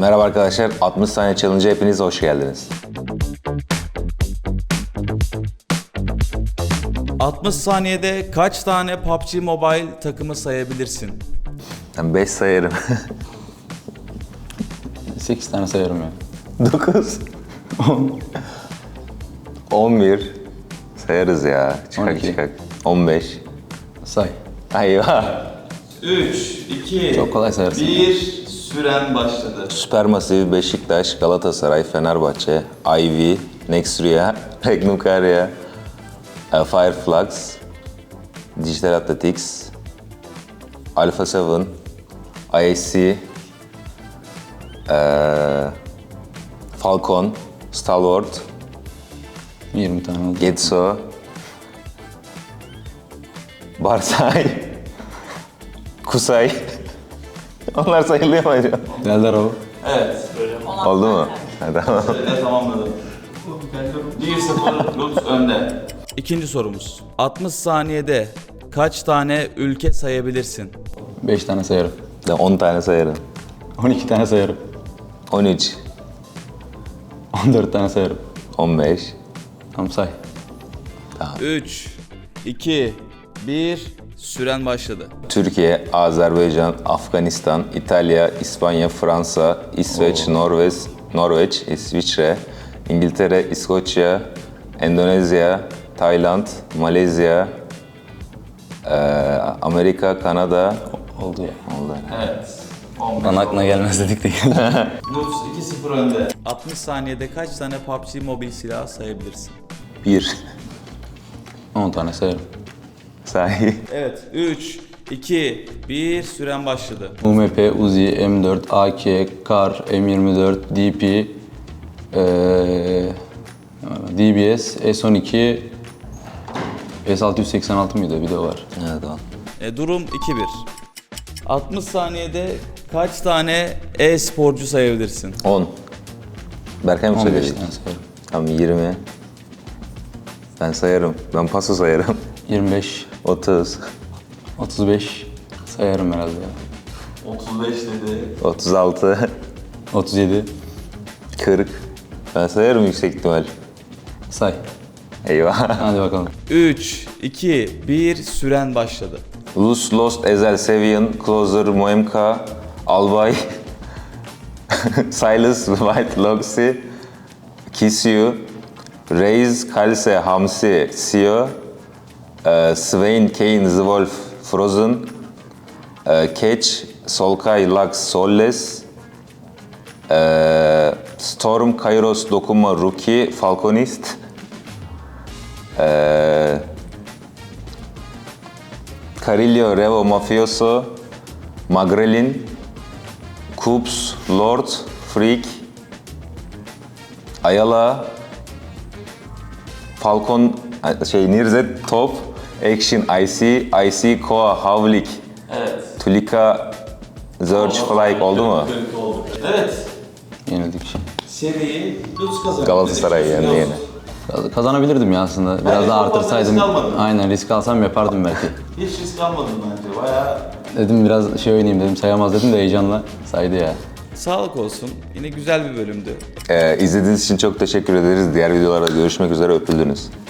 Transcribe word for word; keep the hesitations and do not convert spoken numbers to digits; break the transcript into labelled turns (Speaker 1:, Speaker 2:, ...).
Speaker 1: Merhaba arkadaşlar, altmış saniye challenge'a hepiniz hoş geldiniz.
Speaker 2: altmış saniyede kaç tane P U B G Mobile takımı sayabilirsin?
Speaker 1: Ben beş sayarım.
Speaker 3: sekiz tane sayarım ya.
Speaker 1: dokuz. on. on bir. Sayarız ya. Çıkak
Speaker 3: on iki.
Speaker 1: çıkak. on beş.
Speaker 3: Say.
Speaker 1: Ayva.
Speaker 2: üç, iki,
Speaker 3: Çok kolay sayarsın.
Speaker 2: bir, süren başladı.
Speaker 1: Supermassive, Beşiktaş, Galatasaray, Fenerbahçe, Ivy, Nextria, Regnum Karya, e, Fireflux, Digital Athletics, Alpha seven, I S C, e, Falcon, Stalwart,
Speaker 3: yirmi tane oldu.
Speaker 1: Getso, Barsay, Kusay. Onlar sayılıyor mu acaba?
Speaker 3: Geldiler o.
Speaker 2: Evet.
Speaker 1: Oldu mu? Ha, tamam.
Speaker 2: Sürede tamamladım. bir sıfır Lutz önde. İkinci sorumuz. altmış saniyede kaç tane ülke sayabilirsin?
Speaker 3: beş tane sayarım.
Speaker 1: Ben on tane sayarım.
Speaker 3: on iki tane sayarım.
Speaker 1: on üç,
Speaker 3: on dört tane sayarım.
Speaker 1: on beş,
Speaker 3: Tamam say.
Speaker 2: üç, iki, bir, süren başladı.
Speaker 1: Türkiye, Azerbaycan, Afganistan, İtalya, İspanya, Fransa, İsveç, Norveç, Norveç, İsviçre, İngiltere, İskoçya, Endonezya, Tayland, Malezya, eee, Amerika, Kanada.
Speaker 3: Oldu ya.
Speaker 1: Oldu.
Speaker 2: Evet.
Speaker 3: Bana aklına gelmez dedik de geldi.
Speaker 2: Lutz iki sıfır önde. altmış saniyede kaç tane P U B G Mobile silahı sayabilirsin?
Speaker 1: bir.
Speaker 3: on tane sayarım.
Speaker 1: Sahi.
Speaker 2: Evet. üç, iki, bir, süren başladı.
Speaker 3: U M P, Uzi, M dört, A K, Kar, M yirmi dört, D P, eee, D B S, S on iki, S altı yüz seksen altı mıydı? Bir de o var.
Speaker 1: Evet, tamam.
Speaker 2: E, durum iki bir. altmış saniyede kaç tane e-sporcu sayabilirsin?
Speaker 1: on. Berkay mı
Speaker 3: on beş
Speaker 1: söyledi?
Speaker 3: tane sayarım.
Speaker 1: Tamam, yirmi. Ben sayarım. Ben paso sayarım.
Speaker 3: yirmi beş,
Speaker 1: otuz,
Speaker 3: otuz beş sayarım herhalde ya.
Speaker 2: otuz beş dedi.
Speaker 1: otuz altı,
Speaker 3: otuz yedi
Speaker 1: kırk. Ben sayarım yüksek ihtimal.
Speaker 3: say.
Speaker 1: Eyvah.
Speaker 3: Hadi bakalım.
Speaker 2: üç, iki, bir, süren başladı.
Speaker 1: Luz, Lost, Ezel, Sevian, Closer, Moemka, Albay, Silas, White, Loxy, Kiss You, Reis, Kalse, Hamsi, Sio, e, Swain, Kane, The Wolf, Frozen, e, Catch, Solkay, Lux, Solles, e, Storm, Kairos, Dokuma, Rookie, Falconist, e, Carillo, Revo, Mafioso, Magrelin, Coops, Lord, Freak, Ayala, Falcon, şey Nirzet, Top, Action, I C, I C, Koa, Havlik,
Speaker 2: Evet.
Speaker 1: Tulika, Zerge, Flyke oldu mu?
Speaker 2: Oldu. Evet.
Speaker 3: Yenildik şey.
Speaker 2: Seriyi Lutz kazandı.
Speaker 1: Galatasaray yendi yine.
Speaker 3: Kaz- Kazanabilirdim ya aslında. Biraz
Speaker 2: Bence
Speaker 3: daha
Speaker 2: çok fazla
Speaker 3: artırsaydım.
Speaker 2: risk almadın.
Speaker 3: Aynen risk alsam yapardım belki.
Speaker 2: Hiç risk almadın bence. Bayağı
Speaker 3: Dedim biraz şey oynayayım dedim sayamaz dedim de heyecanla saydı ya.
Speaker 2: sağlık olsun. Yine güzel bir bölümdü.
Speaker 1: Ee, izlediğiniz için çok teşekkür ederiz. Diğer videolarda görüşmek üzere, öpüldünüz.